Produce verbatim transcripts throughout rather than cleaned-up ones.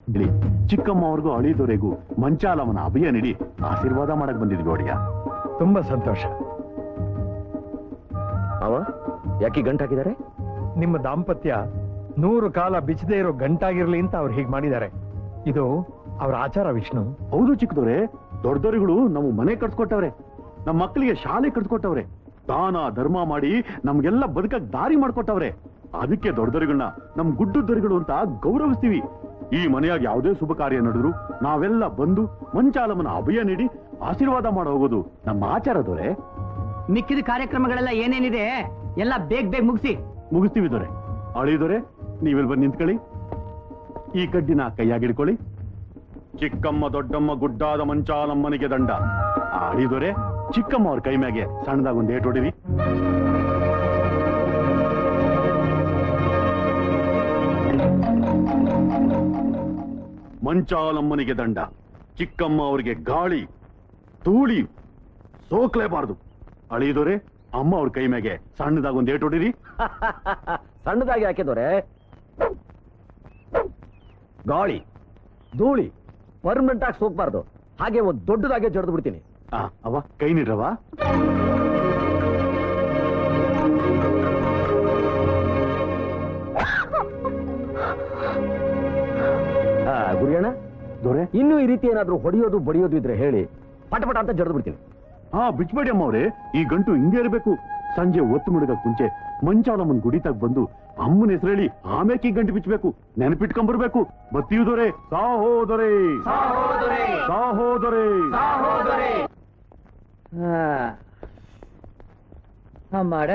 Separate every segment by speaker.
Speaker 1: ಇಲ್ಲಿ ಚಿಕ್ಕಮ್ಮ ಅವ್ರಿಗೂ ಅಳಿದೊರೆಗೂ ಮಂಚಾಲಮ್ಮನ ಅಭಯ ನೀಡಿ ಆಶೀರ್ವಾದ ಮಾಡಕ್ ಬಂದಿದ್ವಿ ಒಡೆಯ.
Speaker 2: ತುಂಬಾ ಸಂತೋಷ.
Speaker 3: ಅವ ಯಾಕೆ ಗಂಟು ಹಾಕಿದ್ದಾರೆ?
Speaker 2: ನಿಮ್ಮ ದಾಂಪತ್ಯ ನೂರು ಕಾಲ ಬಿಚ್ಚದೇ ಇರೋ ಗಂಟಾಗಿರ್ಲಿ ಅಂತ ಅವ್ರು ಹೀಗೆ ಮಾಡಿದ್ದಾರೆ. ಇದು ಅವ್ರ ಆಚಾರ ವಿಷ್ಣು.
Speaker 1: ಹೌದು ಚಿಕ್ಕದವ್ರೆ, ದೊಡ್ಡದವರುಗಳು ನಮ್ಮ ಮನೆ ಕಟ್ಸ್ಕೊಟ್ಟವ್ರೆ, ನಮ್ಮ ಮಕ್ಕಳಿಗೆ ಶಾಲೆ ಕಟ್ಸ್ಕೊಟ್ಟವ್ರೆ, ದಾನ ಧರ್ಮ ಮಾಡಿ ನಮ್ಗೆಲ್ಲ ಬದುಕಕ್ ದಾರಿ ಮಾಡ್ಕೊಟ್ಟವ್ರೆ. ಅದಕ್ಕೆ ದೊಡ್ಡದವರುಗಳನ್ನ ನಮ್ ಗುಡ್ಡದವರುಗಳು ಅಂತ ಗೌರವಿಸ್ತೀವಿ. ಈ ಮನೆಯಾಗ ಯಾವುದೇ ಶುಭ ಕಾರ್ಯ ನಡೆದ್ರು ನಾವೆಲ್ಲ ಬಂದು ಮಂಚಾಲಮ್ಮನ ಅಭಯ ನೀಡಿ ಆಶೀರ್ವಾದ ಮಾಡಿ ಹೋಗೋದು ನಮ್ಮ ಆಚಾರದವ್ರೆ.
Speaker 4: ಮಿಕ್ಕಿದ ಕಾರ್ಯಕ್ರಮಗಳೆಲ್ಲ ಏನೇನಿದೆ ಎಲ್ಲ ಬೇಗ ಬೇಗ ಮುಗಿಸಿ
Speaker 1: ಮುಗಿಸ್ತೀವಿ ದೊರೆ. ಅಳಿದೊರೆ, ನೀವೆಲ್ ಬಂದು ನಿಂತ್ಕೊಳ್ಳಿ. ಈ ಕಡ್ಡಿನ ಕೈಯಾಗಿಡ್ಕೊಳ್ಳಿ. ಚಿಕ್ಕಮ್ಮ ದೊಡ್ಡಮ್ಮ ಗುಡ್ಡಾದ ಮಂಚಾಲಮ್ಮನಿಗೆ ದಂಡ. ಆ ಅಳಿದೊರೆ ಚಿಕ್ಕಮ್ಮ ಅವ್ರ ಕೈ ಮ್ಯಾಗೆ ಸಣ್ಣದಾಗ ಒಂದು ಏಟು ಹೊಡಿರಿ. ಮಂಚಾಲಮ್ಮನಿಗೆ ದಂಡ. ಚಿಕ್ಕಮ್ಮ ಅವರಿಗೆ ಗಾಳಿ ಧೂಳಿ ಸೋಕ್ಲೇಬಾರ್ದು. ಅಳಿದೊರೆ ಅಮ್ಮ ಅವ್ರ ಕೈ ಮ್ಯಾಗೆ ಸಣ್ಣದಾಗ ಒಂದು ಏಟು ಹೊಡಿರಿ.
Speaker 3: ಸಣ್ಣದಾಗಿ ಹಾಕಿದವ್ರೆ. ಗಾಳಿ ಧೂಳಿ ಪರ್ಮನೆಂಟ್ ಆಗಿ ಸೋಕ್ಬಾರ್ದು. ಹಾಗೆ ಒಂದು ದೊಡ್ಡದಾಗೆ ಜಡ್ದು ಬಿಡ್ತೀನಿ.
Speaker 1: ಆ ಅವ ಕೈ ನೀಡ್ರವ.
Speaker 3: ಗುರಿಯಣ್ಣ
Speaker 1: ದೊರೆ,
Speaker 3: ಇನ್ನು ಈ ರೀತಿ ಏನಾದ್ರೂ ಹೊಡೆಯೋದು ಬಡಿಯೋದು ಇದ್ರೆ ಹೇಳಿ, ಪಟ ಪಟ ಅಂತ ಜಡ್ದು ಬಿಡ್ತೀನಿ.
Speaker 1: ಹಾ ಬಿಚ್ಬೇಡಿ ಅಮ್ಮ ಅವ್ರೆ, ಈ ಗಂಟು ಹಿಂಗೆ ಇರಬೇಕು. ಸಂಜೆ ಒತ್ತು ಮುಡುಗಕ್ ಮುಂಚೆ ಮಂಚಾಲಮ್ಮನ್ ಗುಡಿತಾಗ ಬಂದು ಅಮ್ಮನ ಹೆಸರೇಳಿ ಆಮೇಲೆ ಈ ಗಂಟು ಬಿಚ್ಚಬೇಕು. ನೆನಪಿಟ್ಕೊಂಡ್ಬರ್ಬೇಕು. ಬತ್ತಿಯುದೊರೆ ಸಾಹೋದೊರೆ ಸಾಹೋದೊರೆ.
Speaker 4: ಮಾಡ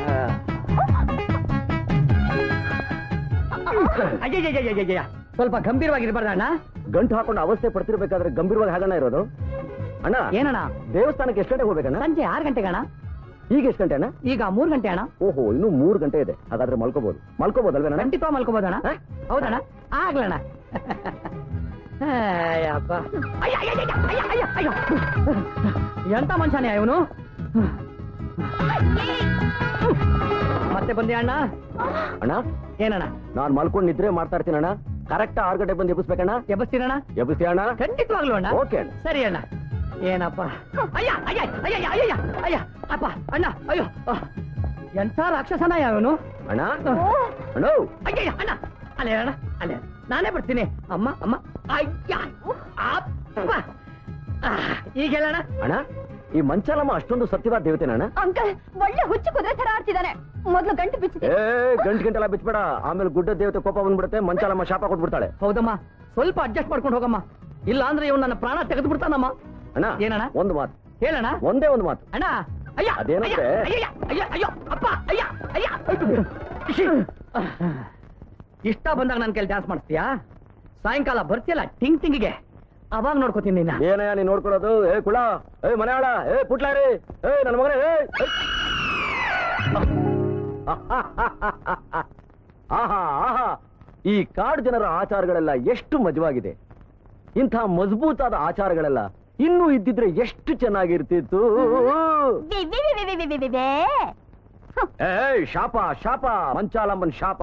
Speaker 4: ಅಯ್ಯಯ್ಯಯ್ಯಯ್ಯಯ್ಯ, ಸ್ವಲ್ಪ ಗಂಭೀರವಾಗಿರ್ಬಾರ್ದ ಅಣ್ಣ?
Speaker 3: ಗಂಟು ಹಾಕೊಂಡು ಅವಸ್ಥೆ ಪಡ್ತಿರ್ಬೇಕಾದ್ರೆ ಗಂಭೀರವಾಗಿ ಹಾಗಣ್ಣ ಇರೋದು. ಅಣ್ಣ
Speaker 4: ಏನಣ್ಣ?
Speaker 3: ದೇವಸ್ಥಾನಕ್ಕೆ ಎಷ್ಟು ಗಂಟೆಗೆ ಹೋಗ್ಬೇಕಣ್ಣ?
Speaker 4: ಸಂಜೆ ಆರು ಗಂಟೆಗೆ ಅಣ್ಣ.
Speaker 3: ಈಗ ಎಷ್ಟು ಗಂಟೆ ಅಣ್ಣ? ಈಗ
Speaker 4: ಮೂರು ಗಂಟೆ ಅಣ್ಣ.
Speaker 3: ಓಹೋ, ಇನ್ನು ಮೂರು ಗಂಟೆ ಇದೆ. ಹಾಗಾದ್ರೆ ಮಲ್ಕೋಬಹುದು. ಮಲ್ಕೋಬಹುದಲ್ವೇನ?
Speaker 4: ಖಂಡಿತ ಮಲ್ಕೋಬಹುದಣ್ಣ. ಹೌದಣ್ಣ, ಆಗ್ಲಣ್ಣ. ಎಂತ ಮನುಷ್ಯನೇ ಇವನು. ಮತ್ತೆ ಬಂದೆ ಅಣ್ಣ.
Speaker 3: ಅಣ್ಣ
Speaker 4: ಏನಣ್ಣ?
Speaker 3: ನಾನ್ ಮಲ್ಕೊಂಡು ನಿದ್ರೆ ಮಾಡ್ತಾ ಇರ್ತೀನಿ ಅಣ್ಣ. ಕರೆಕ್ಟ್ ಆರು ಗಂಟೆ ಬಂದು ಎಬ್ಬಿಸ್ಬೇಕಣ್ಣ.
Speaker 4: ಎಬ್ಬಿಸ್ತೀನಣ್ಣ?
Speaker 3: ಎಬ್ಬಿಸ್ತೀಯ ಅಣ್ಣ?
Speaker 4: ಖಂಡಿತವಾಗ್ಲು ಅಣ್ಣ.
Speaker 3: ಓಕೆ ಅಣ್ಣ.
Speaker 4: ಸರಿ ಅಣ್ಣ. ಏನಪ್ಪ? ಅಯ್ಯ ಅಯ್ಯ ಅಯ್ಯ ಅಯ್ಯ ಅಯ್ಯ ಅಪ್ಪ ಅಣ್ಣ. ಅಯ್ಯೋ, ಎಂತ ರಾಕ್ಷಸನ ಯಾವನು
Speaker 3: ಅಣ್ಣ. ಅಣ್ಣ
Speaker 4: ಅಯ್ಯ ಅಣ್ಣ, ಅಲ್ಲೇ ಅಣ್ಣ, ಅಲ್ಲೇ ನಾನೇ ಬರ್ತೀನಿ. ಅಮ್ಮ ಅಮ್ಮ. ಅಯ್ಯ ಅಪ್ಪ. ಈಗ ಹೇಳಣ್ಣ.
Speaker 3: ಅಣ್ಣ, ಈ ಮಂಚಾಲಮ್ಮ ಅಷ್ಟೊಂದು ಸತ್ಯವಾದ ದೇವತೆನ ಅಣ್ಣ?
Speaker 5: ಅಂಕಲ್, ಒಳ್ಳೆ ಹುಚ್ಚು ಕುದುರೆ ತರ ಆಡ್ತಿದ್ದಾನೆ. ಮೊದ್ಲು ಗಂಟು ಬಿಚ್ಚಿ.
Speaker 3: ಏ ಗಂಟು ಗಂಟೆಲ್ಲ ಬಿಚ್ಚಬೇಡ, ಆಮೇಲೆ ಗುಡ್ಡ ದೇವತೆ ಕೋಪ ಬಂದ್ಬಿಡುತ್ತೆ. ಮಂಚಾಲಮ್ಮ ಶಾಪ ಕೊಟ್ಬಿಡ್ತಾಳೆ.
Speaker 4: ಹೌದಮ್ಮ, ಸ್ವಲ್ಪ ಅಡ್ಜಸ್ಟ್ ಮಾಡ್ಕೊಂಡು ಹೋಗಮ್ಮ. ಇಲ್ಲ ಅಂದ್ರೆ ಇವ್ ನನ್ನ ಪ್ರಾಣ ತೆಗೆದು ಬಿಡ್ತಾನಮ್ಮ.
Speaker 3: ಅಣ್ಣ
Speaker 4: ಏನಣ್ಣ?
Speaker 3: ಒಂದು ಮಾತು
Speaker 4: ಹೇಳಣ್ಣ.
Speaker 3: ಒಂದೇ ಒಂದು ಮಾತು
Speaker 4: ಅಣ್ಣ. ಅಯ್ಯ
Speaker 3: ಅದೇನಂದ್ರೆ
Speaker 4: ಅಯ್ಯ ಅಯ್ಯ ಅಯ್ಯೋ ಅಪ್ಪ. ಅಯ್ಯ ಅಯ್ಯ. ಇಷ್ಟ ಬಂದಾಗ ನನ್ನ ಕೈಲಿ ಡ್ಯಾನ್ಸ್ ಮಾಡ್ತೀಯಾ? ಸಾಯಂಕಾಲ ಬರ್ತೀಯಲ್ಲ ಟಿಂಗ್ ಟಿಂಗಿಗೆ, ಅವಾಗ ನೋಡ್ಕೋತೀನಿ ನಿನ್ನ.
Speaker 3: ಏನಯ್ಯ ನೀನ್ ನೋಡ್ಕೊಳ್ಳೋದು? ಏ ಕುಳ, ಏ ಮನೆಯಾಳ, ಏ ಪುಟ್ಲಾರಿ, ಏ ನನ್ನ ಮಗನೇ, ಏ ಆಹಾ ಆಹಾ, ಈ ಕಾಡು ಜನರ ಆಚಾರಗಳೆಲ್ಲ ಎಷ್ಟು ಮಜವಾಗಿದೆ. ಇಂಥ ಮಜಬೂತಾದ ಆಚಾರಗಳೆಲ್ಲ ಇನ್ನೂ ಇದ್ದಿದ್ರೆ ಎಷ್ಟು ಚೆನ್ನಾಗಿರ್ತಿತ್ತು. ಏ ಶಾಪ ಶಾಪ, ಮಂಚಾಲಮ್ಮನ್ ಶಾಪ.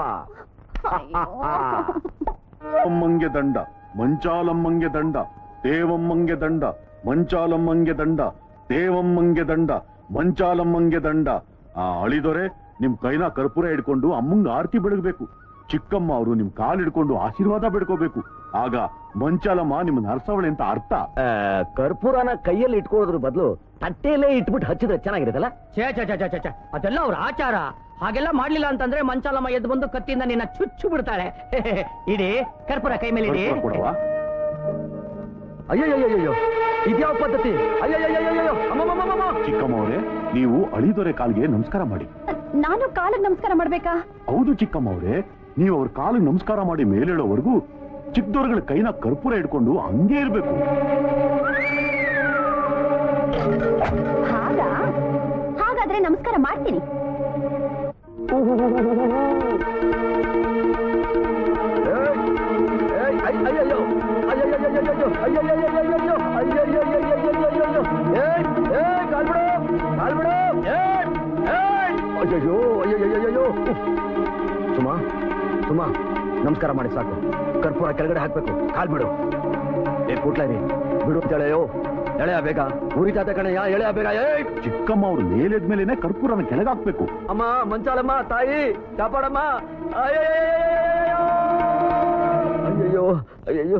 Speaker 1: ಅಮ್ಮಂಗೆ ದಂಡ, ಮಂಚಾಲಮ್ಮಂಗೆ ದಂಡ, ದೇವಮ್ಮಂಗೆ ದಂಡ, ಮಂಚಾಲಮ್ಮಂಗೆ ದಂಡ, ದೇವಮ್ಮಂಗೆ ದಂಡ, ಮಂಚಾಲಮ್ಮಂಗೆ ದಂಡ. ಆ ಅಳಿದೊರೆ ನಿಮ್ ಕೈನ ಕರ್ಪೂರ ಹಿಡ್ಕೊಂಡು ಅಮ್ಮಂಗ ಆರತಿ ಬೆಳಗ್ಬೇಕು. ಚಿಕ್ಕಮ್ಮ ಅವರು ನಿಮ್ ಕಾಲ್ ಹಿಡ್ಕೊಂಡು ಆಶೀರ್ವಾದ ಬೆಡ್ಕೋಬೇಕು. ಆಗ ಮಂಚಾಲಮ್ಮ ನಿಮ್ಮನ್ನ ಹರ್ಸವಳೆ ಅಂತ ಅರ್ಥ.
Speaker 3: ಕರ್ಪೂರನ ಕೈಯಲ್ಲಿ ಇಟ್ಕೊಳ್ಳೋದ್ರ ಬದಲು ತಟ್ಟೆಯಲ್ಲೇ ಇಟ್ಬಿಟ್ಟು ಹಚ್ಚಿದ್ರೆ ಚೆನ್ನಾಗಿರುತ್ತಲ್ಲ?
Speaker 4: ಛೇ ಛೇ ಛೇ ಛೇ ಛೇ, ಅದೆಲ್ಲ ಅವ್ರ ಆಚಾರ. ಹಾಗೆಲ್ಲ ಮಾಡ್ಲಿಲ್ಲ ಅಂತಂದ್ರೆ ಮಂಚಾಲಮ್ಮ ಎದ್ದು ಬಂದು ಕತ್ತಿಯಿಂದ ನಿನ್ನ ಚುಚ್ಚು ಬಿಡ್ತಾಳೆ. ಇಡೀ ಕರ್ಪೂರ ಕೈ ಮೇಲೆ ಇಡಿ.
Speaker 1: ಕೊಡವಾ?
Speaker 3: ಅಯ್ಯಯ್ಯಯ್ಯೋ, ಇದ್ಯಾವ ಪದ್ಧತಿ? ಅಯ್ಯಯ್ಯಯ್ಯೋ, ಅಮ್ಮಮ್ಮಮ್ಮಮ್ಮ.
Speaker 1: ಚಿಕ್ಕಮ್ಮ ಅವರೇ, ನೀವು ಅಳಿದೊರೆ ಕಾಲಿಗೆ ನಮಸ್ಕಾರ ಮಾಡಿ.
Speaker 5: ನಾನು ಕಾಲಿಗೆ ನಮಸ್ಕಾರ ಮಾಡ್ಬೇಕಾ?
Speaker 1: ಹೌದು ಚಿಕ್ಕಮ್ಮ ಅವರೇ, ನೀವು ಅವ್ರ ಕಾಲಿಗೆ ನಮಸ್ಕಾರ ಮಾಡಿ ಮೇಲೇಳೋವರೆಗೂ ಚಿಕ್ಕದವ್ರಗಳ ಕೈನ ಕರ್ಪೂರ ಹಿಡ್ಕೊಂಡು ಹಂಗೆ ಇರ್ಬೇಕು.
Speaker 5: ಹಾಗಾ? ಹಾಗಾದ್ರೆ ನಮಸ್ಕಾರ ಮಾಡ್ತೀನಿ.
Speaker 3: ಅಯ್ಯಯ್ಯೋ, ಅಯ್ಯಯ್ಯಯ್ಯೋ, ಅಯ್ಯಯ್ಯಯ್ಯೋ, ಅಯ್ಯಯ್ಯಯ್ಯೋ, ಏ ಕಾಲ್ಬಿಡು, ಕಾಲ್ಬಿಡು, ಅಯ್ಯಯ್ಯೋ, ಅಯ್ಯಯ್ಯಯ್ಯೋ. ಸುಮಾ ಸುಮಾ, ನಮಸ್ಕಾರ ಮಾಡಿ ಸಾಕು. ಕರ್ಪೂರ ಕೆಳಗಡೆ ಹಾಕ್ಬೇಕು. ಕಾಲ್ ಬಿಡು. ಏ ಕೂಟ್ಲಾರಿ ಬಿಡು ಅಂತ ಎಳೆಯೋ. ಎಳೆಯ ಬೇಗ. ಉರಿತಾತ ಕಣಯ್ಯ, ಎಳೆಯ ಬೇಗ. ಏ
Speaker 1: ಚಿಕ್ಕಮ್ಮ ಅವ್ರು ಮೇಲೆದ್ಮೇಲೆನೆ ಕರ್ಪೂರನ ಕೆಳಗಾಕ್ಬೇಕು.
Speaker 3: ಅಮ್ಮ, ಮಂಚಾಲಮ್ಮ, ತಾಯಿ ಕಾಪಾಡಮ್ಮ. ಅಯ್ಯಯ್ಯೋ ಅಯ್ಯಯ್ಯೋ.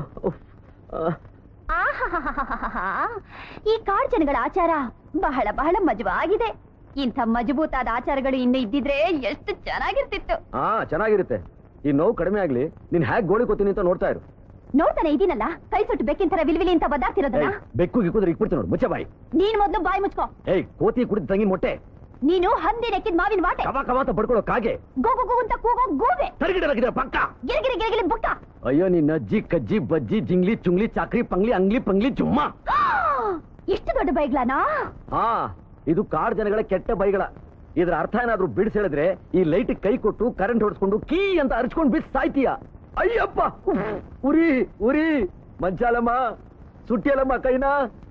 Speaker 5: ಆಹಾಹಾಹಾಹಾಹಾ. ಈ ಕಾಡ್ ಜನಗಳ ಆಚಾರ ಬಹಳ ಬಹಳ ಮಜವಾಗಿದೆ. ಇಂಥ ಮಜಬೂತಾದ ಆಚಾರಗಳು ಇನ್ನು ಇದ್ದಿದ್ರೆ ಎಷ್ಟು ಚೆನ್ನಾಗಿರ್ತಿತ್ತು.
Speaker 3: ಹಾ, ಚೆನ್ನಾಗಿರುತ್ತೆ. ಈ ನೋವು ಕಡಿಮೆ ಆಗ್ಲಿ. ನೀನ್ ಹ್ಯಾಕ್ ಗೋಳಿ ಕೊತ್ತೀನಿ ಅಂತ ನೋಡ್ತಾ ಇರು.
Speaker 5: ನೋಡ್ತಾನೆ ಇದೀನಲ್ಲ, ಕೈ ಸುಟ್ಟು ಬೆಕ್ಕಿನ ತರ ವಿಲ್ವಿಲಿ ಅಂತ ಬದಾಡ್ತಿರೋದನ್ನ.
Speaker 3: ಬೆಕ್ಕು ಗಿಕ್ಕುದ್ರೆ ಇಕ್ಬಿಡ್ತೀನಿ ನೋಡು. ಮುಚ್ಚ ಬಾಯಿ.
Speaker 5: ನೀನ್ ಮೊದ್ಲು ಬಾಯಿ ಮುಚ್ಕೋ.
Speaker 3: ಏಯ್, ಕೋತಿ ಕುಡಿದ ತಂಗಿ ಮೊಟ್ಟೆ.
Speaker 5: ನೀನು ಹಂದಿ ನೆಕ್ಕಿದ ಮಾವಿನ ವಾಟೆ.
Speaker 3: ಕವ ಕವಾತ ಬಡ್ಕೊಳ್ಳೋ ಕಾಗೆ.
Speaker 5: ಗೋಗು ಗೋಗು ಅಂತ ಕೂಗೋ ಗೂಬೆ.
Speaker 3: ತರಗಿಡಲಾಗಿದ್ರೆ ಪಕ್ಕ.
Speaker 5: ಗಿರಿಗಿರಿ ಗಿರಿಗಿರಿ ಬುಕ್ಕ.
Speaker 3: ಅಯ್ಯೋ ನಿನ್ನ ಅಜ್ಜಿ ಕಜ್ಜಿ ಬಜ್ಜಿ ಜಿಂಗ್ಲಿ ಚುಂಗ್ಲಿ ಚಾಕ್ರಿ ಪಂಗ್ಲಿ ಅಂಗ್ಲಿ ಪಂಗ್ಲಿ ಜುಮ್ಮ.
Speaker 5: ಎಷ್ಟು ದೊಡ್ಡ ಬೈಗ್ಲಾನಾ?
Speaker 3: ಹಾ, ಇದು ಕಾಡ್ ಜನಗಳ ಕೆಟ್ಟ ಬೈಗಳ. ಇದ್ರ ಅರ್ಥ ಏನಾದ್ರೂ ಬಿಡಿಸಿ ಹೇಳಿದ್ರೆ ಈ ಲೈಟ್ ಕೈ ಕೊಟ್ಟು ಕರೆಂಟ್ ಹೊಡ್ಸ್ಕೊಂಡು ಕೀ ಅಂತ ಅರ್ಚ್ಕೊಂಡು ಬಿಸ್ ಸಾಯ್ತೀಯ. ಅಯ್ಯಪ್ಪ, ಉರಿ ಉರಿ. ಮಂಚಾಲಮ್ಮ, ಸುಟ್ಟಿಯಲಮ್ಮ ಕೈನಾ.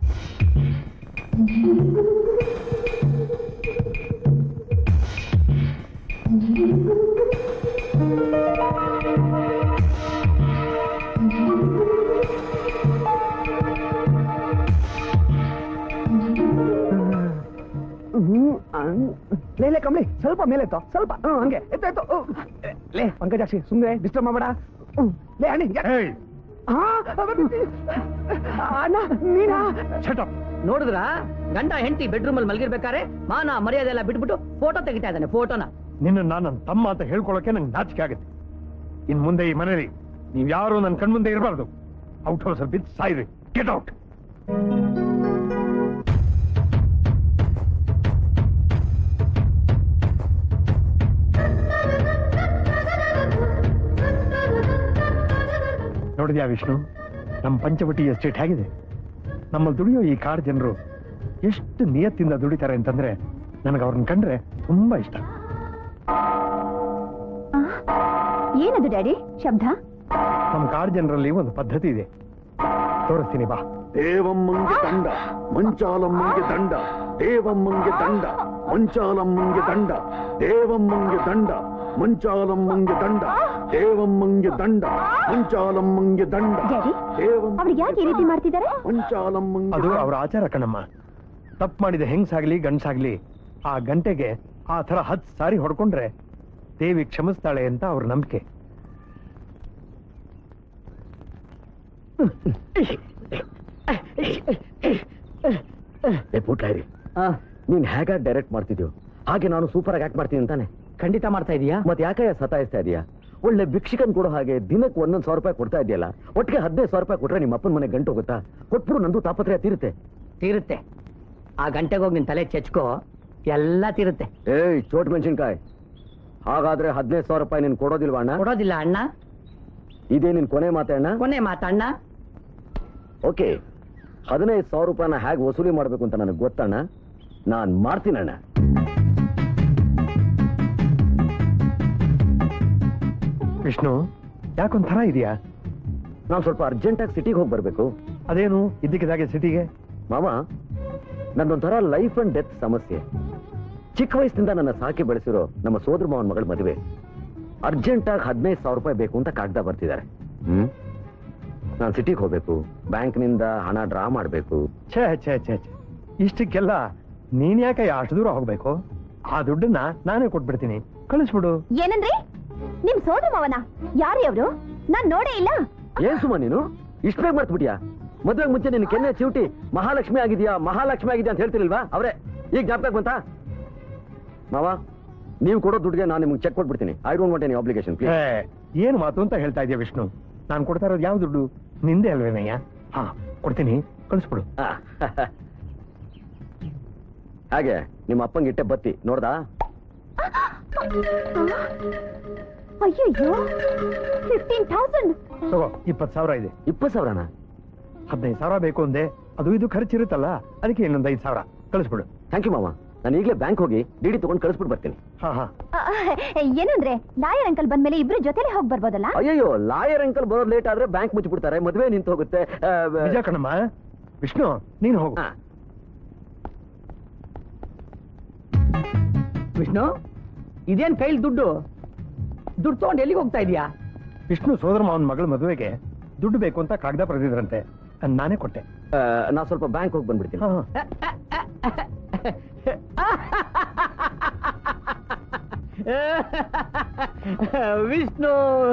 Speaker 6: ಲೇ ಲೇ ಕಮಲಿ, ಸ್ವಲ್ಪ ಮೇಲೆ ಎತ್ತೋ, ಸ್ವಲ್ಪ. ಹ್ಮ್, ಹಂಗೆ ಎತ್ತೋ ಎತ್ತೋ. ಲೇ ಪಂಕಜಾಕ್ಷಿ, ಸುಮ್ಮನೆ ಡಿಸ್ಟರ್ಬ್ ಮಾಡಬೇಡ. ಲೇ ಅಣ್ಣಿ. ಅಣ್ಣ ನೀನಾ?
Speaker 4: ನೋಡಿದ್ರ ಗಂಡ ಹೆಂಡತಿ ಬೆಡ್ರೂಮ್ ಅಲ್ಲಿ ಮಲಗಿರ್ಬೇಕಾರೆ ಮಾನ ಮರ್ಯಾದೆ ಎಲ್ಲ ಬಿಟ್ಬಿಟ್ಟು ಫೋಟೋ ತೆಗಿತಾ ಇದ್ದಾನೆ. ಫೋಟೋನ
Speaker 2: ನಿನ್ನ ನಾನು ನನ್ನ ತಮ್ಮ ಅಂತ ಹೇಳ್ಕೊಳಕ್ಕೆ ನಂಗೆ ನಾಚಿಕೆ ಆಗುತ್ತೆ. ಇನ್ ಮುಂದೆ ಈ ಮನೇಲಿ ನೀವ್ ಯಾರು ನನ್ನ ಕಣ್ಮುಂದೆ ಇರಬಾರ್ದು. ಔಟ್ ಹೌಸ್ ಬಿದ್ದು ಸಾಯ್ರಿ. Get out. ನೋಡಿದ್ಯಾ ವಿಷ್ಣು, ನಮ್ಮ ಪಂಚವಟಿ ಎಸ್ಟೇಟ್ ಹೇಗಿದೆ? ನಮ್ಮಲ್ಲಿ ದುಡಿಯೋ ಈ ಕಾಡು ಜನರು ಎಷ್ಟು ನಿಯತ್ತಿಂದ ದುಡಿತಾರೆ ಅಂತಂದ್ರೆ ನನಗೆ ಅವ್ರನ್ನ ಕಂಡ್ರೆ ತುಂಬಾ ಇಷ್ಟ.
Speaker 5: ಏನದು ಡ್ಯಾಡಿ ಶಬ್ದ?
Speaker 2: ನಮ್ಮ ಕಾಡು ಜನರಲ್ಲಿ ಒಂದು ಪದ್ಧತಿ ಇದೆ, ತೋರಿಸ್ತೀನಿ ಬಾ.
Speaker 1: ದೇವಮ್ಮಂಗೆ ದಂಡ, ಮಂಚಾಲಮ್ಮಂಗೆ ದಂಡ, ದೇವಮ್ಮಂಗೆ ದಂಡ, ಮಂಚಾಲಮ್ಮಂಗೆ ದಂಡ, ದೇವಮ್ಮಂಗೆ ದಂಡ, ಮಂಚಾಲಮ್ಮಂಗೆ ದಂಡ, ದೇವಮ್ಮಂಗೆ ದಂಡ, ಮಂಚಾಲಮ್ಮಂಗೆ ದಂಡ.
Speaker 5: ಅವ್ರಿಗೆ ಯಾಕೆ ಈ ರೀತಿ ಮಾಡ್ತಿದ್ದಾರೆ?
Speaker 1: ಮಂಚಾಲಮ್ಮಂಗೆ.
Speaker 2: ಅದು ಅವ್ರ ಆಚಾರ ಕಣಮ್ಮ. ತಪ್ಪು ಮಾಡಿದ ಹೆಂಗ್ಸಾಗ್ಲಿ ಗಂಡ್ಸಾಗ್ಲಿ ಆ ಗಂಟೆಗೆ ಆ ತರ ಹತ್ತು ಸಾರಿ ಹೊಡ್ಕೊಂಡ್ರೆ ದೇವಿ ಕ್ಷಮಿಸ್ತಾಳೆ ಅಂತ ಅವ್ರ ನಂಬಿಕೆ.
Speaker 3: ಪುಟ್ಲಾರಿ, ನೀನ್ ಹೇಗಾಗಿ ಡೈರೆಕ್ಟ್ ಮಾಡ್ತಿದ್ಯೋ ಹಾಗೆ ನಾನು ಸೂಪರ್ ಆಗಿ ಆಕ್ಟ್ ಮಾಡ್ತೀನಿ ಅಂತಾನೆ.
Speaker 4: ಖಂಡಿತ ಮಾಡ್ತಾ ಇದೀಯಾ?
Speaker 3: ಮತ್ತೆ ಯಾಕೆ ಸತಾಯಿಸ್ತಾ ಇದೀಯಾ? ಒಳ್ಳೆ ಭಿಕ್ಷಕನ್ ಕೊಡೋ ಹಾಗೆ ದಿನಕ್ಕೆ ಒಂದೊಂದು ಸಾವಿರ ರೂಪಾಯಿ ಕೊಡ್ತಾ ಇದೆಯಲ್ಲ. ಒಟ್ಟಿಗೆ ಹದಿನೈದು ಸಾವಿರ ರೂಪಾಯಿ ಕೊಟ್ರೆ ನಿಮ್ಮ ಅಪ್ಪನ ಮನೆ ಗಂಟು ಹೋಗುತ್ತಾ? ಕೊಟ್ಬಿಡು, ನಂದು ತಾಪತ್ರಯ ತೀರುತ್ತೆ.
Speaker 4: ತೀರುತ್ತೆ. ಆ ಗಂಟೆಗೆ ಹೋಗಿ ನಿನ್ ತಲೆ ಚೆಚ್ಕೋ, ಎಲ್ಲ ತೀರುತ್ತೆ.
Speaker 3: ಏಯ್ ಚೋಟ್ ಮೆಣಸಿನ್ಕಾಯಿ, ಹಾಗಾದ್ರೆ ಹದಿನೈದು ಸಾವಿರ ರೂಪಾಯಿ ನೀನ್ ಕೊಡೋದಿಲ್ವಾ ಅಣ್ಣ?
Speaker 4: ಕೊಡೋದಿಲ್ಲ ಅಣ್ಣ.
Speaker 3: ಇದೇ ನಿನ್ ಕೊನೆ ಮಾತೆ ಅಣ್ಣ?
Speaker 4: ಕೊನೆ ಮಾತಣ್ಣ.
Speaker 3: ಓಕೆ, ಹದಿನೈದು ಸಾವಿರ ರೂಪಾಯಿನ ಹೇಗೆ ವಸೂಲಿ ಮಾಡ್ಬೇಕು ಅಂತ ನನಗೆ ಗೊತ್ತಣ್ಣ. ನಾನ್ ಮಾಡ್ತೀನಣ್ಣ.
Speaker 2: ವಿಷ್ಣು, ಯಾಕೊಂಥರ ಇದೆಯಾ?
Speaker 3: ನಾನ್ ಸ್ವಲ್ಪ ಅರ್ಜೆಂಟಾಗಿ ಸಿಟಿಗೆ ಹೋಗಿ ಬರ್ಬೇಕು.
Speaker 2: ಅದೇನು ಇದ್ದಕ್ಕಿದ್ದಾಗೆ ಸಿಟಿಗೆ?
Speaker 3: ಮಾಮ, ನಂದೊಂಥರ ಲೈಫ್ ಅಂಡ್ ಡೆತ್ ಸಮಸ್ಯೆ. ಚಿಕ್ಕ ವಯಸ್ಸಿನಿಂದ ನನ್ನ ಸಾಕಿ ಬೆಳೆಸಿರೋ ನಮ್ಮ ಸೋದರ ಮಾವನ ಮಗಳ ಮದುವೆ. ಅರ್ಜೆಂಟಾಗಿ ಹದಿನೈದು ಸಾವಿರ ರೂಪಾಯಿ ಬೇಕು ಅಂತ ಕಾಗ್ದ ಬರ್ತಿದ್ದಾರೆ. ಹ್ಮ್ ನಾನು ಸಿಟಿಗೆ ಹೋಗ್ಬೇಕು, ಬ್ಯಾಂಕ್ನಿಂದ ಹಣ ಡ್ರಾ ಮಾಡ್ಬೇಕು.
Speaker 2: ಛೇ ಛೇ ಛೇ ಛೇ, ಇಷ್ಟಕ್ಕೆಲ್ಲ ನೀನ್ ಯಾಕೆ ಅಷ್ಟು ದೂರ ಹೋಗ್ಬೇಕು? ಆ ದುಡ್ಡನ್ನ ನಾನೇ ಕೊಟ್ಬಿಡ್ತೀನಿ, ಕಳಿಸ್ಬಿಡು.
Speaker 5: ಏನಂದ್ರಿ? ನಿಮ್ ಸೋದರ ಮಾವನ? ಯಾರೇ ಅವರು? ನಾನ್ ನೋಡೇ ಇಲ್ಲ.
Speaker 3: ಏನ್ ಸುಮ್ಮ ನೀನು ಇಷ್ಟ ಬೇಗ ಮಾಡ್ಬಿಟ್ಯಾ? ಮದ್ವೆಗೆ ಮುಂಚೆ ನಿನ್ ಕೆನ್ನೆ ಚಿವುಟಿ ಮಹಾಲಕ್ಷ್ಮಿ ಆಗಿದ್ಯಾ ಮಹಾಲಕ್ಷ್ಮಿ ಆಗಿದ್ಯಾ ಅಂತ ಹೇಳ್ತಿರ್ಲಿಲ್ವಾ? ಅವರೇ ಈಗ ಜ್ಞಾಪಕ ಬಂತ? ಮಾವ, ನೀವು ಕೊಡೋ ದುಡ್ಡಿಗೆ ನಾನು ನಿಮ್ಗೆ ಚೆಕ್ ಕೊಟ್ಬಿಡ್ತೀನಿ. I don't want any obligation.
Speaker 2: ಏ, ಏನು ಮಾತು ಅಂತ ಹೇಳ್ತಾ ಇದೆಯಾ ವಿಷ್ಣು? ನಾನು ಕೊಡ್ತಾ ಇರೋದು ಯಾವ ದುಡ್ಡು? ನಿಂದೆ ಅಲ್ವೇನಯ್ಯ? ಹಾ, ಕೊಡ್ತೀನಿ, ಕಳಿಸ್ಬಿಡು.
Speaker 3: ಹಾಗೆ ನಿಮ್ಮ ಅಪ್ಪಂಗೆ ಇಟ್ಟೆ ಬತ್ತಿ ನೋಡ್ದಾ?
Speaker 5: ಅಯ್ಯಯ್ಯೋ, ಫಿಫ್ಟೀನ್ ಥೌಸಂಡ್.
Speaker 2: ತಗೋ, ಇಪ್ಪತ್ತು ಸಾವಿರ ಇದೆ.
Speaker 3: ಇಪ್ಪತ್ತು ಸಾವಿರನ?
Speaker 2: ಹದಿನೈದು ಸಾವಿರ ಬೇಕು ಅಂದೆ, ಅದು ಇದು ಖರ್ಚಿರುತ್ತಲ್ಲ, ಅದಕ್ಕೆ ಇನ್ನೊಂದು ಐದು ಸಾವಿರ ಕಳಿಸ್ಬಿಡು.
Speaker 3: ಥ್ಯಾಂಕ್ ಯು ಮಾಮ. ನಾನು ಈಗಲೇ ಬ್ಯಾಂಕ್ ಹೋಗಿ ಡಿಡಿ ತಗೊಂಡು ಕಳಿಸ್ಬಿಟ್ಟು ಬರ್ತೀನಿ.
Speaker 2: ಹಾ ಹಾ.
Speaker 5: ಏನಂದ್ರೆ ಲಾಯರ್ ಅಂಕಲ್ ಬಂದ್ಮೇಲೆ ಇಬ್ರು ಜೊತೆಲೆ ಹೋಗಿ ಬರ್ಬೋದಲ್ಲ?
Speaker 3: ಅಯ್ಯೋ, ಲಾಯರ್ ಅಂಕಲ್ ಬರೋದು ಲೇಟ್ ಆದ್ರೆ ಬ್ಯಾಂಕ್ ಮುಚ್ಚಿಬಿಡ್ತಾರೆ, ಮದುವೆ ನಿಂತು ಹೋಗುತ್ತೆ.
Speaker 2: ನಿಜ ಕಣಮ್ಮ. ವಿಷ್ಣು, ನೀನು ಹೋಗು.
Speaker 4: ವಿಷ್ಣು, ಇದೇನ್ ಕೈಲಿ ದುಡ್ಡು? ದುಡ್ಡು ತಗೊಂಡು ಎಲ್ಲಿಗೆ ಹೋಗ್ತಾ ಇದೀಯಾ?
Speaker 2: ವಿಷ್ಣು ಸೋದರ ಮಾವನ ಮಗಳ ಮದುವೆಗೆ ದುಡ್ಡು ಬೇಕು ಅಂತ ಕಾಗದ ಬರೆದಿದ್ರಂತೆ, ನಾನೇ ಕೊಟ್ಟೆ.
Speaker 3: ನಾ ಸ್ವಲ್ಪ ಬ್ಯಾಂಕ್ ಹೋಗಿ ಬಂದ್ಬಿಡ್ತೀನಿ.
Speaker 4: ವಿಷ್ಣು,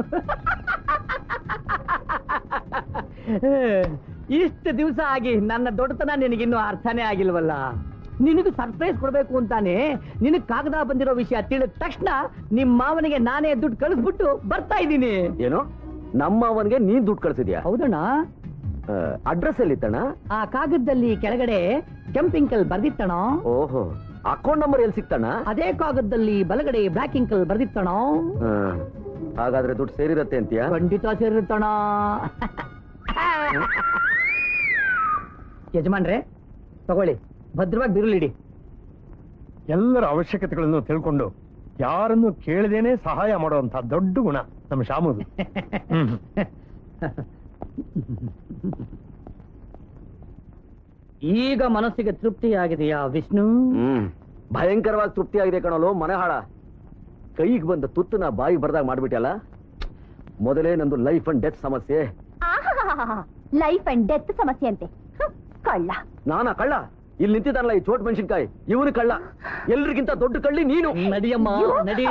Speaker 4: ಇಷ್ಟು ದಿವಸ ಆಗಿ ನನ್ನ ದೊಡ್ಡತನ ನಿನಗಿನ್ನೂ ಅರ್ಥನೇ ಆಗಿಲ್ವಲ್ಲ. ನಿನಗೆ ಸರ್ಪ್ರೈಸ್ ಕೊಡ್ಬೇಕು ಅಂತಾನೆ ನಿನಗ್ ಕಾಗದ ಬಂದಿರೋ ವಿಷಯ ತಿಳಿದ ತಕ್ಷಣ ನಿಮ್ ಮಾವನಿಗೆ ನಾನೇ ದುಡ್ಡು ಕಳಿಸ್ಬಿಟ್ಟು ಬರ್ತಾ ಇದ್ದೀನಿ.
Speaker 3: ಏನು, ನಮ್ಮ ಅವನ್ಗೆ ನೀನ್ ದುಡ್ಡು ಕಳ್ಸಿದ್ಯಾ?
Speaker 4: ಹೌದಣ್ಣ.
Speaker 3: ಅಡ್ರೆಸ್ ಎಲ್ಲಿತ್ತಣ್ಣ?
Speaker 4: ಆ ಕಾಗದದಲ್ಲಿ ಕೆಳಗಡೆ ಕೆಂಪಿಂಕಲ್ ಬರ್ದಿತ್ತಣ.
Speaker 3: ಓಹೋ, ಅಕೌಂಟ್ ನಂಬರ್ ಎಲ್ಲಿ ಸಿಕ್ತಣ್ಣ?
Speaker 4: ಅದೇ ಕಾಗದದಲ್ಲಿ ಬಲಗಡೆ ಬ್ಲಾಕ್ ಇಂಕಲ್ ಬರ್ದಿತ್ತಣ.
Speaker 3: ಹಾಗಾದ್ರೆ ದುಡ್ಡು ಸೇರಿರತ್ತೆ ಅಂತೀಯ?
Speaker 4: ಖಂಡಿತ ಸೇರಿರುತ್ತಣ. ಯಜಮಾನ್ರೆ ತಗೊಳ್ಳಿ, ಭದ್ರವಾಗಿ ಬಿರುಳಿಡಿ.
Speaker 2: ಎಲ್ಲರ ಅವಶ್ಯಕತೆಗಳನ್ನು ತಿಳ್ಕೊಂಡು ಯಾರನ್ನು ಕೇಳದೇನೆ ಸಹಾಯ ಮಾಡುವಂತ ದೊಡ್ಡ ಗುಣ ನಮ್ಮ ಶಾಮುದು.
Speaker 4: ಈಗ ಮನಸ್ಸಿಗೆ ತೃಪ್ತಿಯಾಗಿದೆಯಾ ವಿಷ್ಣು?
Speaker 3: ಹ್ಮ್, ಭಯಂಕರವಾಗಿ ತೃಪ್ತಿ ಆಗಿದೆ ಕಣಲು. ಮನೆ ಹಾಳ ಕೈಗೆ ಬಂದ ತುತ್ತನ ಬಾಯಿ ಬರ್ದಾಗ ಮಾಡ್ಬಿಟ್ಟಲ್ಲ. ಮೊದಲೇ ನಂದು ಲೈಫ್ ಅಂಡ್ ಡೆತ್ ಸಮಸ್ಯೆ.
Speaker 5: ಲೈಫ್ ಅಂಡ್ ಡೆತ್ ಸಮಸ್ಯೆ ಅಂತೆ. ಕಳ್ಳ.
Speaker 3: ನಾನಾ ಕಳ್ಳ? ಇಲ್ಲಿ ನಿಂತಿದ್ದಾನಲ್ಲ ಈ ಚೋಟ್ ಮೆಣಸಿನ್ಕಾಯಿ, ಇವನು ಕಳ್ಳ. ಎಲ್ರಿಗಿಂತ ದೊಡ್ಡ ಕಳ್ಳಿ ನೀನು.
Speaker 4: ನಡಿಯಮ್ಮ ನಡಿ.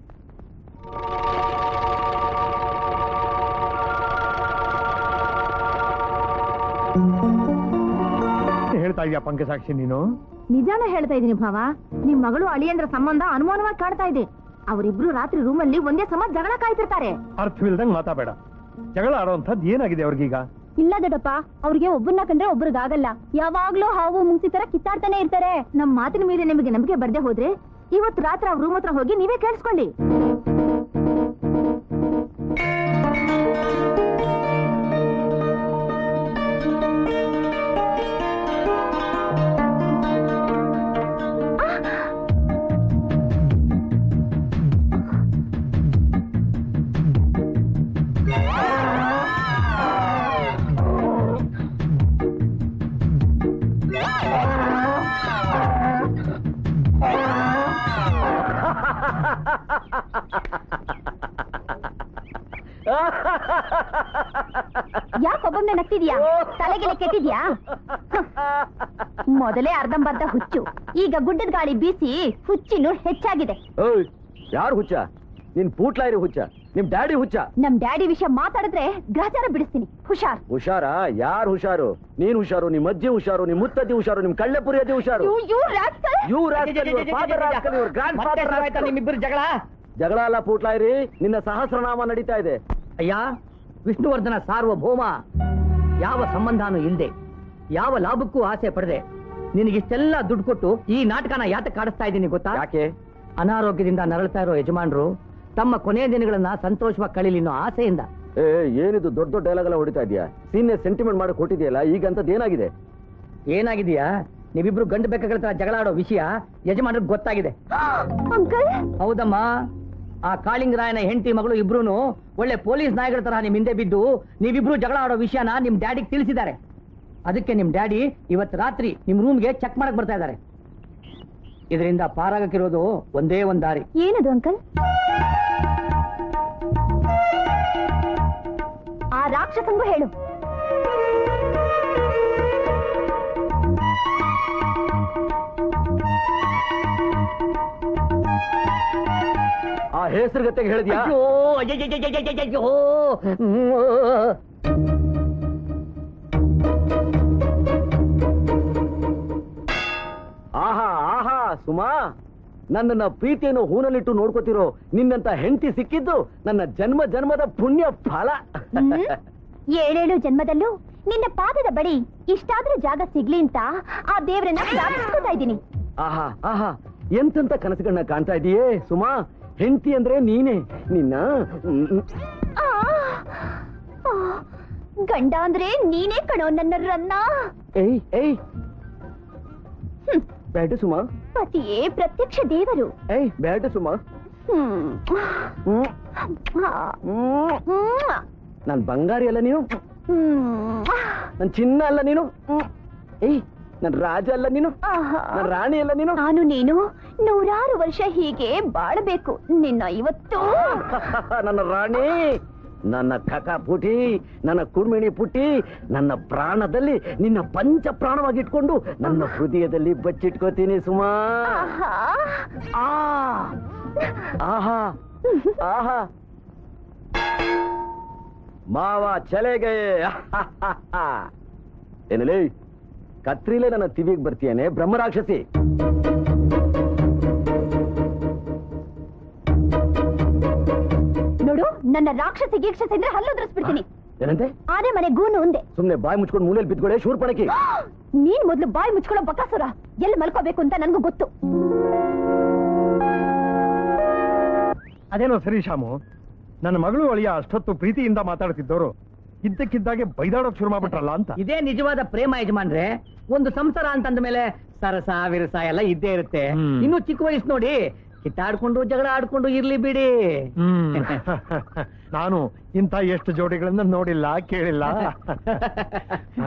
Speaker 2: ಹೇಳ್ತಾ ಇದೀಯ ಪಂಕಜಾಕ್ಷಿ ನೀನು?
Speaker 5: ನಿಜಾನ ಹೇಳ್ತಾ ಇದೀನಿ ಭಾವ. ನಿಮ್ ಮಗಳು ಅಳಿಯಂದ್ರ ಸಂಬಂಧ ಅನುಮಾನವಾಗಿ ಕಾಡ್ತಾ ಇದೆ. ಅವರಿಬ್ರು ರಾತ್ರಿ ರೂಮಲ್ಲಿ ಒಂದೇ ಸಮ ಜಗಳ ಕಾಯ್ತಿರ್ತಾರೆ.
Speaker 2: ಅರ್ಥವಿಲ್ದಂಗ್ ಮಾತಾಬೇಡ. ಜಗಳ ಆಡೋಂಥದ್ದು ಏನಾಗಿದೆ ಅವ್ರಿಗೀಗ?
Speaker 5: ಇಲ್ಲ ದೊಡ್ಡಪ್ಪ, ಅವ್ರಿಗೆ ಒಬ್ಬರನ್ನ ಕಂಡ್ರೆ ಒಬ್ರಿಗಾಗಲ್ಲ. ಯಾವಾಗ್ಲೂ ಹಾವು ಮುಂಗ್ಸಿ ತರ ಕಿತ್ತಾಡ್ತಾನೆ ಇರ್ತಾರೆ. ನಮ್ ಮಾತಿನ ಮೇಲೆ ನಿಮಗೆ ನಂಬಿಕೆ ಬರ್ದೆ ಹೋದ್ರೆ ಇವತ್ತು ರಾತ್ರಿ ಅವ್ರ ರೂಮ್ ಹತ್ರ ಹೋಗಿ ನೀವೇ ಕೇಳಿಸ್ಕೊಳ್ಳಿ. ಯಾಕೊಬ್ಬೊಮ್ಮೆ ನಗ್ತಿದ್ಯಾ? ತಲೆಗೆಲೆ ಕೆಟ್ಟಿದ್ಯಾ? ಮೊದಲೇ ಅರ್ಧಂಬರ್ಧ ಹುಚ್ಚು, ಈಗ ಗುಡ್ಡದ ಗಾಳಿ ಬೀಸಿ ಹುಚ್ಚಿನೂ ಹೆಚ್ಚಾಗಿದೆ.
Speaker 3: ಯಾರು ಹುಚ್ಚ? ನಿನ್ ಪೂಟ್ಲಾಯಿರಿ ಹುಚ್ಚ? ನಿಮ್ ಡ್ಯಾಡಿ ಹುಚ್ಚ?
Speaker 5: ನಮ್ ಡ್ಯಾಡಿ ವಿಷಯ ಮಾತಾಡಿದ್ರೆ ಗ್ರಹಚಾರ ಬಿಡಿಸ್ತೀನಿ. ಹುಷಾರ್.
Speaker 3: ಹುಷಾರ? ಯಾರು ಹುಷಾರು? ನೀನ್ ಹುಷಾರು, ನಿಮ್ ಅಜ್ಜಿ ಹುಷಾರು, ನಿಮ್ ಮುತ್ತಜ್ಜಿ ಹುಷಾರು, ನಿಮ್ ಕಳ್ಳೆಪುರಿ ಅಜ್ಜಿ ಹುಷಾರು.
Speaker 4: ನಿಮ್ಮಿಬ್ಬರು ಜಗಳ
Speaker 3: ಜಗಳ ಅಲ್ಲ ಪೂಟ್ಲಾಯಿರಿ, ನಿನ್ನ ಸಹಸ್ರನಾಮ ನಡೀತಾ ಇದೆ.
Speaker 4: ಅಯ್ಯ ವಿಷ್ಣುವರ್ಧನ ಸಾರ್ವಭೌಮ, ಯಾವ ಸಂಬಂಧನೂ ಇಲ್ಲದೆ ಯಾವ ಲಾಭಕ್ಕೂ ಆಸೆ ಪಡೆದೆ ನಿನಗಿಷ್ಟೆಲ್ಲ ದುಡ್ಡು ಕೊಟ್ಟು ಈ ನಾಟಕನ ಯಾತಕ್ಕೆ ಕಾಡಿಸ್ತಾ ಇದ್ದೀನಿ ಗೊತ್ತಾ?
Speaker 3: ಯಾಕೆ?
Speaker 4: ಅನಾರೋಗ್ಯದಿಂದ ನರಳ್ತಾ ಇರೋ ಯಜಮಾನರು ತಮ್ಮ ಕೊನೆಯ ದಿನಗಳನ್ನ ಸಂತೋಷವಾಗಿ ಕಳೀಲಿ ಅನ್ನೋ ಆಸೆಯಿಂದ.
Speaker 3: ಏ, ಏನಿದು ದೊಡ್ಡ ದೊಡ್ಡ ಡೈಲಾಗ್ ಎಲ್ಲ ಹೊಡಿತಾ ಇದೆಯಾ? ಸೀನಿಯರ್ ಸೆಂಟಿಮೆಂಟ್ ಮಾಡಿ ಕೊಟ್ಟಿದೆಯಲ್ಲ, ಈಗ ಅಂತದ್ ಏನಾಗಿದೆ?
Speaker 4: ಏನಾಗಿದೆಯಾ? ನೀವಿಬ್ರು ಗಂಡು ಬೇಕಾಗಳ ತರ ಜಗಳ ಆಡೋ ವಿಷಯ ಯಜಮಾನ್ರಿಗೆ ಗೊತ್ತಾಗಿದೆ. ಹೌದಮ್ಮ, ಆ ಕಾಳಿಂಗರಾಯನ ಹೆಂಡತಿ ಮಗಳು ಇಬ್ರು ಒಳ್ಳೆ ಪೊಲೀಸ್ ನಾಯಿಗಳ ತರ ನಿಮ್ ಹಿಂದೆ ಬಿದ್ದು ನೀವಿಬ್ರು ಜಗಳ ಆಡೋ ವಿಷಯನ ನಿಮ್ ಡ್ಯಾಡಿಗೆ ತಿಳಿಸಿದ್ದಾರೆ. ಅದಕ್ಕೆ ನಿಮ್ ಡ್ಯಾಡಿ ಇವತ್ತು ರಾತ್ರಿ ನಿಮ್ ರೂಮ್ಗೆ ಚೆಕ್ ಮಾಡಕ್ ಬರ್ತಾ ಇದ್ದಾರೆ. ಇದರಿಂದ ಪಾರಾಗಕ್ಕಿರೋದು ಒಂದೇ ಒಂದ್ ದಾರಿ.
Speaker 5: ಏನದು ಅಂಕಲ್? ಆ ರಾಕ್ಷಸಂಗೂ ಹೇಳು.
Speaker 3: ಆ ಹೆಸರುಗತೆಗೆ ಹೇಳಿದ್ಯಾ?
Speaker 4: ಅಯ್ಯೋ ಅಯ್ಯಯ್ಯಯ್ಯಯ್ಯಯ್ಯಯ್ಯೋ.
Speaker 3: ಆಹಾ ಆಹಾ ಸುಮಾ, ನನ್ನನ್ನ ಪ್ರೀತಿಯನ್ನು ಹೂನಲ್ಲಿಟ್ಟು ನೋಡ್ಕೋತಿರೋ ನಿನ್ನಂತ ಹೆಂಡತಿ ಸಿಕ್ಕಿದ್ದು ನನ್ನ ಜನ್ಮ ಜನ್ಮದ ಪುಣ್ಯ ಫಲ.
Speaker 5: ಏಳೇಳು ಜನ್ಮದಲ್ಲೂ ನಿನ್ನ ಪಾದದ ಬಳಿ ಇಷ್ಟಾದ್ರೂ ಜಾಗ ಸಿಗ್ಲಿ ಅಂತ ಆ ದೇವ್ರನ್ನ ಪ್ರಾರ್ಥಿಸ್ಕೊತಾ ಇದ್ದೀನಿ.
Speaker 3: ಆಹಾ ಆಹಾ, ಎಂತೆಂತ ಕನಸುಗಳನ್ನ ಕಾಣ್ತಾ ಇದೀಯೇ ಸುಮಾ. ಹೆಂಡತಿ ಅಂದ್ರೆ ನೀನೇ. ನಿನ್ನ
Speaker 5: ಗಂಡ ಅಂದ್ರೆ ನೀನೇ ಕಣೋ ನನ್ನ ರನ್ನ.
Speaker 3: ಏಯ್ ಏಯ್ ಬೇಡ ಸುಮಾ.
Speaker 5: ಪತಿಯೇ ಪ್ರತ್ಯಕ್ಷ ದೇವರು.
Speaker 3: ಏಯ್ ಬೇಡ ಸುಮಾ. ನನ್ ಬಂಗಾರಿ ಅಲ್ಲ ನೀನು, ನನ್ ಚಿನ್ನ ಅಲ್ಲ ನೀನು, ಏಯ್ ನನ್ ರಾಜ ಅಲ್ಲ ನೀನು, ನನ್ ರಾಣಿ ಅಲ್ಲ ನೀನು.
Speaker 5: ನಾನು ನೀನು ನೂರಾರು ವರ್ಷ ಹೀಗೆ ಬಾಳಬೇಕು. ನಿನ್ನ ಇವತ್ತು
Speaker 3: ನನ್ನ ರಾಣಿ ನನ್ನ ಕಕ ಪುಟಿ, ನನ್ನ ಕುರ್ಮಿಣಿ ಪುಟಿ, ನನ್ನ ಪ್ರಾಣದಲ್ಲಿ ನಿನ್ನ ಪಂಚ ಪ್ರಾಣವಾಗಿಟ್ಕೊಂಡು ನನ್ನ ಹೃದಯದಲ್ಲಿ ಬಚ್ಚಿಟ್ಕೋತೀನಿ ಸುಮಾ. ಆ ಆಹಾ ಆಹಾ ಮಾವ ಚಲೆಗೆ ಏನಲೇ ಕತ್ರಿಲೇ ನನ್ನ ತಿವಿಗೆ ಬರ್ತೀಯನೆ ಬ್ರಹ್ಮರಾಕ್ಷಸಿ.
Speaker 5: ನೋಡು, ನನ್ನ ರಾಕ್ಷಸಿ ಗೀಕ್ಷಸಿ ಅಂದ್ರೆ ಹಲ್ಲು ಉದ್ರಿಸ್ಬಿಡ್ತೀನಿ.
Speaker 3: ಏನಂತೆ?
Speaker 5: ಆನೆ ಮನೆ ಗೂನು ಒಂದೆ.
Speaker 3: ಸುಮ್ನೆ ಬಾಯಿ ಮುಚ್ಕೊಂಡು ಮೂಲೆಯಲ್ಲಿ ಬಿದ್ಕೊಳ್ಳೆ ಶೂರ್ಪಣಕಿ.
Speaker 5: ನೀನ್ ಮೊದ್ಲು ಬಾಯಿ ಮುಚ್ಕೊಳ್ಳೋ ಬಕಾಸುರ. ಎಲ್ಲಿ ಮಲ್ಕೋಬೇಕು ಅಂತ ನನ್ಗೂ ಗೊತ್ತು.
Speaker 2: ಅದೇನೋ ಸರಿ ಶಾಮು, ನನ್ನ ಮಗಳು ಅಳಿಯ ಅಷ್ಟೊತ್ತು ಪ್ರೀತಿಯಿಂದ ಮಾತಾಡ್ತಿದ್ದವರು ಇದ್ದಕ್ಕಿದ್ದಾಗೆ ಬೈದಾಡೋಕ್ ಶುರು ಮಾಡ್ಬಿಟ್ರಲ್ಲ ಅಂತ.
Speaker 4: ಇದೇ ನಿಜವಾದ ಪ್ರೇಮ ಯಜಮಾನ್ರೆ. ಒಂದು ಸಂಸಾರ ಅಂತಂದ ಮೇಲೆ ಸರಸ ವಿರಸ ಎಲ್ಲ ಇದ್ದೇ ಇರುತ್ತೆ.
Speaker 2: ಹ್ಮ್.
Speaker 4: ಇನ್ನು ಚಿಕ್ಕ ವಯಸ್ಸು ನೋಡಿ, ಕಿತ್ತಾಡ್ಕೊಂಡು ಜಗಳ ಆಡ್ಕೊಂಡು ಇರ್ಲಿ ಬಿಡಿ.
Speaker 2: ಹ್ಮ್ ನಾನು ಇಂಥ ಎಷ್ಟು ಜೋಡಿಗಳನ್ನ ನೋಡಿಲ್ಲ ಕೇಳಿಲ್ಲ.